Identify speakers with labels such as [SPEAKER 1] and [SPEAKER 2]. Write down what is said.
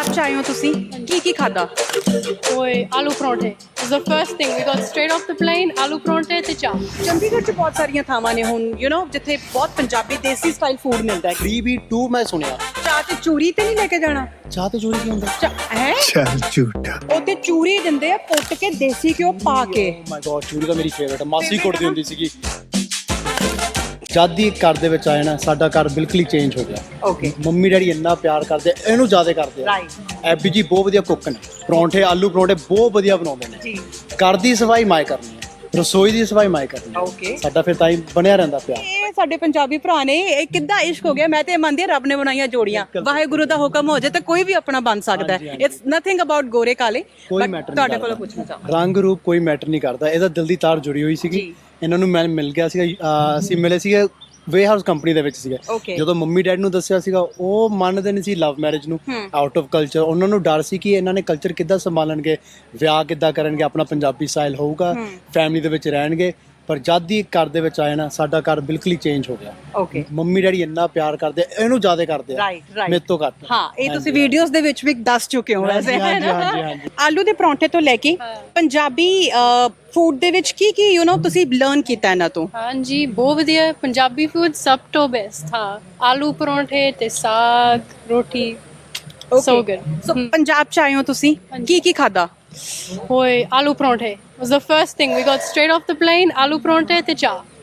[SPEAKER 1] ਪੰਜਾਬ ਚ ਆਏ ਹੋ ਤੁਸੀਂ ਕੀ ਖਾਦਾ
[SPEAKER 2] Oi, aloo parathe. It's the first thing. We got straight off the plane, aloo parathe ਤੇ ਚਾਹ.
[SPEAKER 1] ਚੰਡੀਗੜ੍ਹ ਚ ਬਹੁਤ ਸਾਰੀਆਂ ਥਾਵਾਂ ਨੇ ਹੁਣ ਜਿੱਥੇ ਬਹੁਤ ਪੰਜਾਬੀ ਦੇਸੀ ਸਟਾਈਲ ਫੂਡ ਮਿਲਦਾ ਹੈ
[SPEAKER 3] 3B2 ਮੈਂ ਸੁਣਿਆ।
[SPEAKER 1] ਚਾਹ ਤੇ ਚੂਰੀ ਤੇ ਨਹੀਂ ਲੈ ਕੇ ਜਾਣਾ
[SPEAKER 3] ਚਾਹ ਤੇ ਚੋਰੀ ਕੀ ਹੁੰਦਾ?
[SPEAKER 1] ਹੈ
[SPEAKER 4] ਚੱਲ ਝੂਠਾ
[SPEAKER 1] ਉਹ ਤੇ ਚੂਰੀ ਦਿੰਦੇ ਆ ਕੁੱਟ ਕੇ ਦੇਸੀ ਘਿਓ ਪਾ ਕੇ
[SPEAKER 3] ਮਾਈ ਗॉड ਚੂਰੀ ਤਾਂ ਮੇਰੀ ਫੇਵਰਟ ਹੈ, ਮਾਸੀ ਕੁੱਟਦੀ ਹੁੰਦੀ ਸੀਗੀ। ਜਦ ਹੀ ਘਰ ਦੇ ਵਿੱਚ ਆਇਆ ਨਾ ਸਾਡਾ ਘਰ ਬਿਲਕੁਲ ਹੀ ਚੇਂਜ ਹੋ ਗਿਆ।
[SPEAKER 1] ਓਕੇ
[SPEAKER 3] ਮੰਮੀ ਡੈਡੀ ਇੰਨਾ ਪਿਆਰ ਕਰਦੇ, ਇਹਨੂੰ ਜ਼ਿਆਦਾ ਕਰਦੇ ਆ।
[SPEAKER 1] ਰਾਈਟ
[SPEAKER 3] ਐਬੀ ਜੀ ਬਹੁਤ ਵਧੀਆ ਕੁੱਕ ਨੇ, ਪਰੌਂਠੇ ਆਲੂ ਪਰੌਂਠੇ ਬਹੁਤ ਵਧੀਆ ਬਣਾਉਂਦੇ ਨੇ।
[SPEAKER 1] ਜੀ
[SPEAKER 3] ਘਰ ਦੀ ਸਫਾਈ ਮਾਈ ਕਰਨੀ ਹੈ, ਰਸੋਈ ਦੀ ਸਫਾਈ ਮਾਈ ਕਰਨੀ ਹੈ।
[SPEAKER 1] ਓਕੇ
[SPEAKER 3] ਸਾਡਾ ਫਿਰ ਤਾਂ ਹੀ ਬਣਿਆ ਰਹਿੰਦਾ ਪਿਆਰ।
[SPEAKER 1] ਇਹ ਸਾਡੇ ਪੰਜਾਬੀ ਭਰਾ ਨੇ ਇਹ ਕਿੱਦਾਂ ਇਸ਼ਕ ਹੋ ਗਿਆ। ਮੈਂ ਤੇ ਇਹ ਮੰਨਦੀ ਹਾਂ ਰੱਬ ਨੇ ਬਣਾਈਆਂ ਜੋੜੀਆਂ, ਵਾਹਿਗੁਰੂ ਦਾ ਹੁਕਮ ਹੋ ਜਾਏ ਤਾਂ ਕੋਈ ਵੀ ਆਪਣਾ ਬਣ ਸਕਦਾ ਹੈ। ਇਟਸ ਨਥਿੰਗ ਅਬਾਊਟ ਗੋਰੇ ਕਾਲੇ।
[SPEAKER 3] ਕੋਈ
[SPEAKER 1] But
[SPEAKER 3] ਮੈਟਰ
[SPEAKER 1] ਤੁਹਾਡੇ
[SPEAKER 3] ਨਹੀਂ
[SPEAKER 1] ਕੋਲੋਂ
[SPEAKER 3] ਕਰਦਾ,
[SPEAKER 1] ਪੁੱਛਣਾ ਚਾਹਾਂ
[SPEAKER 3] ਰੰਗ ਰੂਪ ਕੋਈ ਮੈਟਰ ਨਹੀਂ ਕਰਦਾ। ਇਹਦਾ ਦਿਲ ਦੀ ਤਾਰ ਜੁੜੀ ਹੋਈ ਸੀਗੀ।
[SPEAKER 1] ਜੀ।
[SPEAKER 3] ਇਹਨਾਂ ਨੂੰ ਮੈਂ ਮਿਲ ਗਿਆ ਸੀਗਾ, ਅਸੀਂ ਮਿਲੇ ਸੀਗੇ ਵੇ ਹਾਊਸ ਕੰਪਨੀ ਦੇ ਵਿੱਚ ਸੀਗੇ।
[SPEAKER 1] Okay.
[SPEAKER 3] ਜਦੋਂ ਮੰਮੀ ਡੈਡੀ ਨੂੰ ਦੱਸਿਆ ਸੀਗਾ ਉਹ ਮੰਨਦੇ ਨਹੀਂ ਸੀ ਲਵ ਮੈਰਿਜ ਨੂੰ, ਆਊਟ ਆਫ ਕਲਚਰ। ਉਹਨਾਂ ਨੂੰ ਡਰ ਸੀ ਕਿ ਇਹਨਾਂ ਨੇ ਕਲਚਰ ਕਿੱਦਾਂ ਸੰਭਾਲਣਗੇ, ਵਿਆਹ ਕਿੱਦਾਂ ਕਰਨਗੇ, ਆਪਣਾ ਪੰਜਾਬੀ ਸਟਾਈਲ ਹੋਊਗਾ, ਫੈਮਿਲੀ ਦੇ ਵਿੱਚ ਰਹਿਣਗੇ। ਪਰ ਜਦ ਹੀ ਘਰ ਦੇ ਵਿੱਚ ਆਏ ਨਾ ਸਾਡਾ ਘਰ ਬਿਲਕੁਲ ਹੀ ਚੇਂਜ ਹੋ ਗਿਆ।
[SPEAKER 1] ਓਕੇ
[SPEAKER 3] ਮੰਮੀ ਡੈਡੀ ਇੰਨਾ ਪਿਆਰ ਕਰਦੇ, ਇਹਨੂੰ ਜ਼ਿਆਦਾ ਕਰਦੇ ਆ
[SPEAKER 1] ਰਾਈਟ ਰਾਈਟ
[SPEAKER 3] ਮੇਰੇ ਤੋਂ ਘੱਟ।
[SPEAKER 1] ਹਾਂ ਇਹ ਤੁਸੀਂ ਵੀਡੀਓਜ਼ ਦੇ ਵਿੱਚ ਵੀ ਦੱਸ ਚੁੱਕੇ ਹੋ ਵੈਸੇ ਹੈ
[SPEAKER 3] ਹਾਂਜੀ,
[SPEAKER 1] ਨਾ?
[SPEAKER 3] ਹਾਂਜੀ, ਹਾਂਜੀ।
[SPEAKER 1] ਆਲੂ ਦੇ ਪਰੌਂਠੇ ਤੋਂ ਲੈ ਕੇ ਪੰਜਾਬੀ ਫੂਡ ਦੇ ਵਿੱਚ ਕੀ ਤੁਸੀਂ ਲਰਨ ਕੀਤਾ ਇਹਨਾਂ ਤੋਂ?
[SPEAKER 2] ਹਾਂਜੀ ਬਹੁਤ ਵਧੀਆ ਹੈ। ਪੰਜਾਬੀ ਫੂਡ ਸਭ ਤੋਂ ਬੈਸਟ। ਹਾਂ ਆਲੂ ਪਰੌਂਠੇ ਤੇ ਸਾਗ ਰੋਟੀ so good.
[SPEAKER 1] ਸੋ ਪੰਜਾਬ ਚ ਆਏ ਹੋ ਤੁਸੀਂ ਕੀ ਖਾਦਾ
[SPEAKER 2] Oi, aloo parathe. It was the first thing. We got straight off the plane, aloo parathe ਤੇ ਚਾਹ.